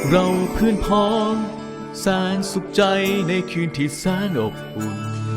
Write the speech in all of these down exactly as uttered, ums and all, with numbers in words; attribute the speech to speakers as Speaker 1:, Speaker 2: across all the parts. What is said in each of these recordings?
Speaker 1: เราเพื่อนพ้องแสนสุขใจในคืนที่แสนอบอุ่น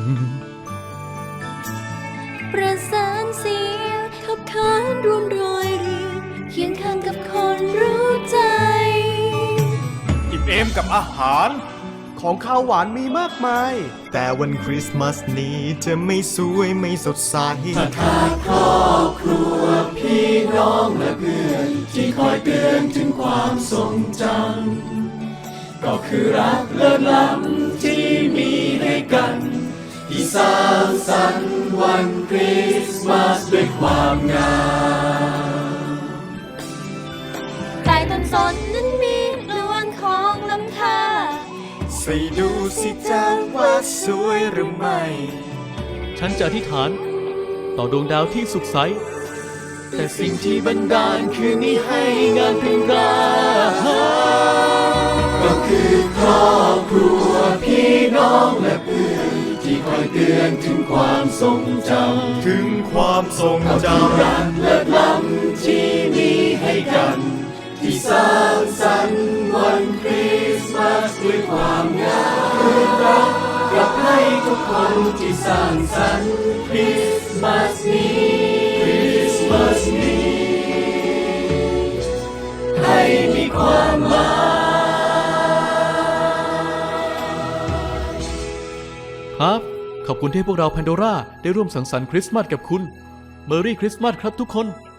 Speaker 2: ประสานเสียงขับขานรวมรอยเรียงเคียงข้างกับคนรู้ใจ
Speaker 3: อิ่มเอมกับอาหารของข้าวหวานมีมากมาย
Speaker 4: แต่วันคริสต์มาสนี้จะไม่สวยไม่สดใส
Speaker 5: ถ้าขาดครอบครัวพี่น้องและเพื่อนที่คอยเตือนถึงความทรงจำก็คือรักเลิศล้ำที่มีให้กันที่สร้างสรรค์วันคริสต์มาสด้วยความงาม
Speaker 2: ใต้ต้นสนนั้นมีดวงของลำธาร
Speaker 4: ใส่ดูสิจ้าว่าสวยหรือไม่
Speaker 1: ฉันจะอธิษฐานต่อดวงดาวที่สุขใสแต่สิ่งที่บันดาลคืนนี้ให้งานเป็นรา
Speaker 5: ก็คือครอบครัวพี่น้องและเพื่อนที่คอยเตือนถึงความทรงจำ
Speaker 4: ถึงความทรงจำ
Speaker 5: รักเลิศล้ำที่มีให้กันที่สร้างสรรค์วันคริสต์มาสด้วยความงามคืนรักกลับให้ทุกคนที่สร้างสรรค์คริสต์มาสนี้คริสต์มาสนี้ให้มีความหมาย
Speaker 1: ครับขอบคุณที่พวกเราแพนโดร่าได้ร่วมสังสรรค์คริสต์มาสกับคุณเมอรี่คริสต์มาสครับทุกคน